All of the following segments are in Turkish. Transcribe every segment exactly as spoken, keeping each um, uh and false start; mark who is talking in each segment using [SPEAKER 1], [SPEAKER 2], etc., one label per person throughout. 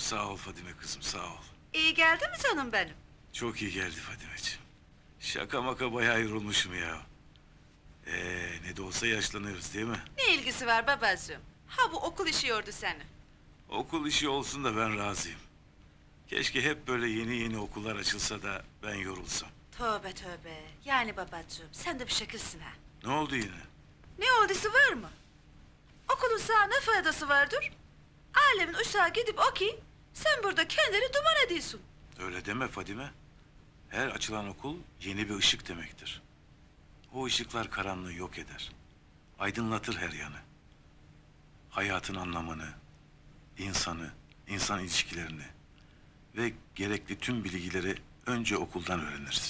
[SPEAKER 1] sağ ol Fadime kızım, sağ ol.
[SPEAKER 2] İyi geldi mi canım benim?
[SPEAKER 1] Çok iyi geldi Fadimeciğim. Şaka maka bayağı yorulmuşum ya. Ee, ne de olsa yaşlanıyoruz değil mi?
[SPEAKER 2] Ne ilgisi var babacığım? Ha bu okul işi yordu seni.
[SPEAKER 1] Okul işi olsun da ben razıyım. Keşke hep böyle yeni yeni okullar açılsa da ben yorulsam.
[SPEAKER 2] Tövbe tövbe. Yani babacığım sen de bir şekilsin ha.
[SPEAKER 1] Ne oldu yine?
[SPEAKER 2] Ne olduysa var mı? Okulun sana ne faydası vardır? Alemin uşağı gidip okuyun. Sen burada kendini duman ediyorsun.
[SPEAKER 1] Öyle deme Fadime. Her açılan okul yeni bir ışık demektir. O ışıklar karanlığı yok eder. Aydınlatır her yanı. Hayatın anlamını, insanı, insan ilişkilerini ve gerekli tüm bilgileri önce okuldan öğreniriz.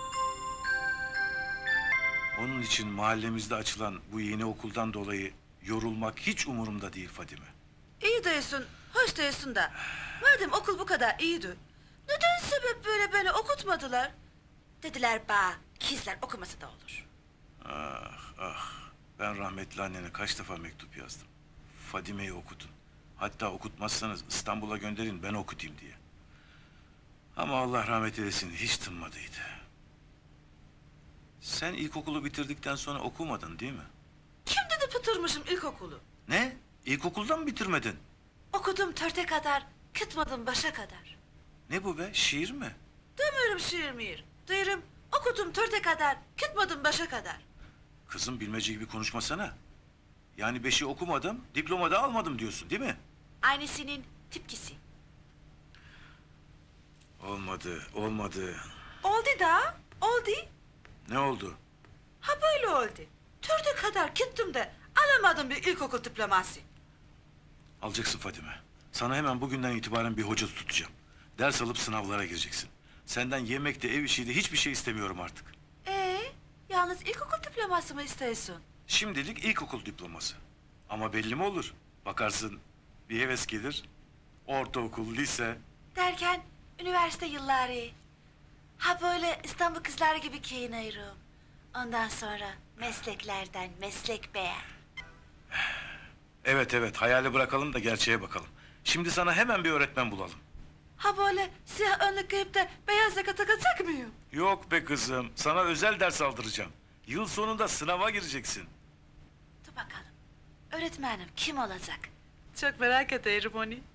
[SPEAKER 1] Onun için mahallemizde açılan bu yeni okuldan dolayı yorulmak hiç umurumda değil Fadime.
[SPEAKER 2] İyi diyorsun, hoş diyorsun da. Madem okul bu kadar iyiydi, neden sebep böyle beni okutmadılar? Dediler ba, kizler okuması da olur.
[SPEAKER 1] Ah ah, ben rahmetli annene kaç defa mektup yazdım. Fadime'yi okutun. Hatta okutmazsanız İstanbul'a gönderin ben okutayım diye. Ama Allah rahmet eylesin hiç tınmadıydı. Sen ilkokulu bitirdikten sonra okumadın değil mi?
[SPEAKER 2] Kim dedi bitirmişim ilkokulu?
[SPEAKER 1] Ne? İlkokuldan mı bitirmedin?
[SPEAKER 2] Okudum törte kadar, kıtmadım başa kadar.
[SPEAKER 1] Ne bu be? Şiir mi?
[SPEAKER 2] Demiyorum şiir miyir, diyorum okudum törte kadar, kıtmadım başa kadar.
[SPEAKER 1] Kızım bilmece gibi konuşmasana. Yani beşi okumadım, diploma da almadım diyorsun değil mi?
[SPEAKER 2] Aynısının tipkisi.
[SPEAKER 1] Olmadı, olmadı.
[SPEAKER 2] Oldu da, oldu.
[SPEAKER 1] Ne oldu?
[SPEAKER 2] Ha böyle oldu. Törte kadar gittim de alamadım bir ilkokul diploması.
[SPEAKER 1] Alacaksın Fadime. Sana hemen bugünden itibaren bir hoca tutacağım. Ders alıp sınavlara gireceksin. Senden yemekte, ev işiydi hiçbir şey istemiyorum artık.
[SPEAKER 2] Ee, yalnız ilkokul diploması mı istiyorsun?
[SPEAKER 1] Şimdilik ilkokul diploması. Ama belli mi olur? Bakarsın bir heves gelir. Ortaokul, lise.
[SPEAKER 2] Derken üniversite yılları. Ha böyle İstanbul kızları gibi giyiniyorum. Ondan sonra mesleklerden meslek beğen.
[SPEAKER 1] Evet evet hayali bırakalım da gerçeğe bakalım. Şimdi sana hemen bir öğretmen bulalım.
[SPEAKER 2] Ha böyle siyah önlük giyip de beyaz yaka takacak mıyım?
[SPEAKER 1] Yok be kızım, sana özel ders aldıracağım. Yıl sonunda sınava gireceksin.
[SPEAKER 2] Dur bakalım. Öğretmenim kim olacak? Çok merak ederim onu.